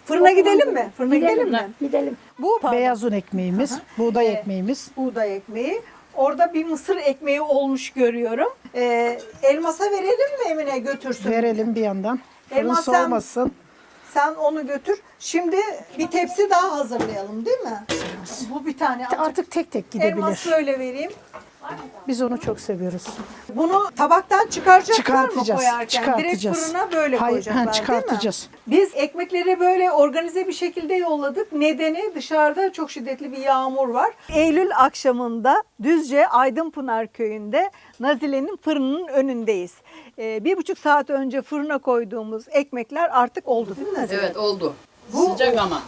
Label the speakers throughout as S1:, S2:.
S1: Fırına gidelim mi? Fırına gidelim mi?
S2: Gidelim.
S1: Bu
S3: Beyaz un ekmeğimiz, buğday ekmeğimiz.
S1: buğday ekmeği. Orada bir mısır ekmeği olmuş görüyorum. Elmas'a verelim mi Emine götürsün?
S3: Verelim bir yandan. Fırın
S1: Elmas sen-
S3: soğumasın.
S1: Sen onu götür. Şimdi bir tepsi daha hazırlayalım değil mi? Bu bir tane.
S3: Artık tek tek
S1: Elmas
S3: gidebilir.
S1: böyle vereyim.
S3: Biz onu çok seviyoruz.
S1: Bunu tabaktan çıkaracaklar mı
S3: Çıkartacağız,
S1: koyarken? Direkt
S3: çıkartacağız.
S1: fırına böyle
S3: Hayır,
S1: koyacaklar
S3: çıkartacağız.
S1: değil mi? Biz ekmekleri böyle organize bir şekilde yolladık. Nedeni dışarıda çok şiddetli bir yağmur var. Eylül akşamında Düzce Aydınpınar köyünde Nazile'nin fırınının önündeyiz. 1,5 saat önce fırına koyduğumuz ekmekler artık oldu değil mi Nazile?
S4: Evet oldu.
S1: Bu-
S4: Sıcak ama.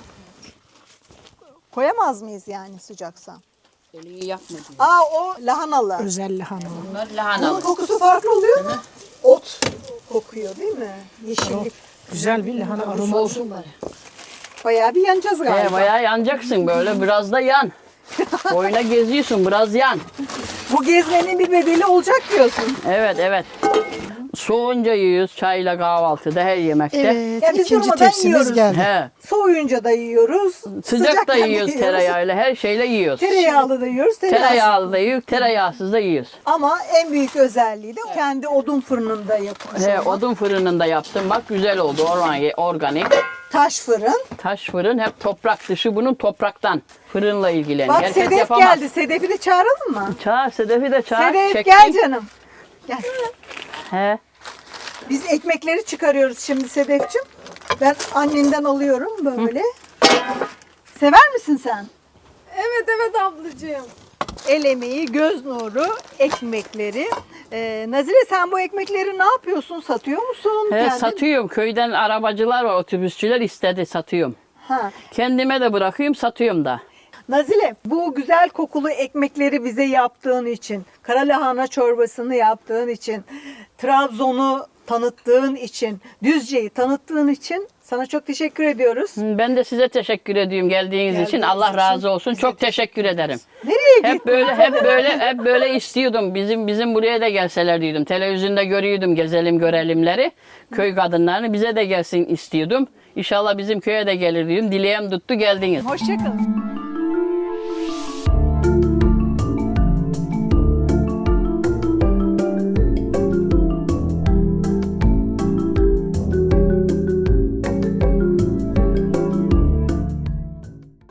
S1: Koyamaz mıyız yani sıcaksa?
S4: Elini yakma diyor.
S1: Aa o lahanalı.
S3: Özel lahana.
S4: Bunlar
S1: Bunun
S4: lahanalı.
S1: kokusu farklı oluyor mu? Ot kokuyor değil mi? Yeşillik.
S3: Güzel bir lahana aroması.
S4: Soğusun bari.
S1: Bayağı bir yanacağız galiba.
S4: Bayağı yanacaksın böyle biraz da yan. Boyuna geziyorsun biraz yan.
S1: Bu gezmenin bir bedeli olacak diyorsun.
S4: Evet evet. Soğunca yiyoruz çayla kahvaltıda her yemekte.
S3: Evet,
S1: Ya biz
S3: ikinci
S1: durmadan
S3: tepsimiz
S1: yiyoruz.
S3: geldi.
S4: He.
S1: Soğuyunca da yiyoruz.
S4: Sıcak da
S1: sıcakken de
S4: yiyoruz tereyağıyla her şeyle yiyoruz.
S1: Tereyağlı da yiyoruz.
S4: Tereyağlı da yiyoruz, tereyağsız da yiyoruz.
S1: Ama en büyük özelliği de kendi odun fırınında yapılmış.
S4: He,
S1: olmak.
S4: odun fırınında yaptım bak güzel oldu organik.
S1: Taş fırın.
S4: Taş fırın hep toprak dışı bunun topraktan fırınla ilgileniyor.
S1: Bak
S4: Herkes
S1: Sedef
S4: yapamaz.
S1: geldi. Sedef'i de çağıralım mı?
S4: Çağır Sedef'i de çağır.
S1: Sedef
S4: çektim.
S1: gel canım. Gel.
S4: He.
S1: Biz ekmekleri çıkarıyoruz şimdi Sedef'ciğim. Ben annenden alıyorum böyle. Sever misin sen?
S2: Evet ablacığım.
S1: El emeği, göz nuru, ekmekleri. Nazile sen bu ekmekleri ne yapıyorsun? Satıyor musun?
S4: He,
S1: Kendin-
S4: satıyorum. Köyden arabacılar var, otobüsçüler istedi satıyorum.
S1: Ha.
S4: Kendime de bırakıyorum, satıyorum da.
S1: Nazile bu güzel kokulu ekmekleri bize yaptığın için, karalahana çorbasını yaptığın için, Trabzon'u tanıttığın için, Düzce'yi tanıttığın için sana çok teşekkür ediyoruz.
S4: Ben de size teşekkür ediyorum geldiğiniz için. Allah razı olsun. Çok teşekkür ederim.
S1: Nereye
S4: Hep
S1: gittin?
S4: hep böyle istiyordum. Bizim buraya da gelseler diyordum. Televizyonda görüyordum gezelim görelimleri. Köy kadınlarını bize de gelsin istiyordum. İnşallah bizim köye de gelir diyordum. Dileğim tuttu geldiniz.
S1: Hoşçakalın.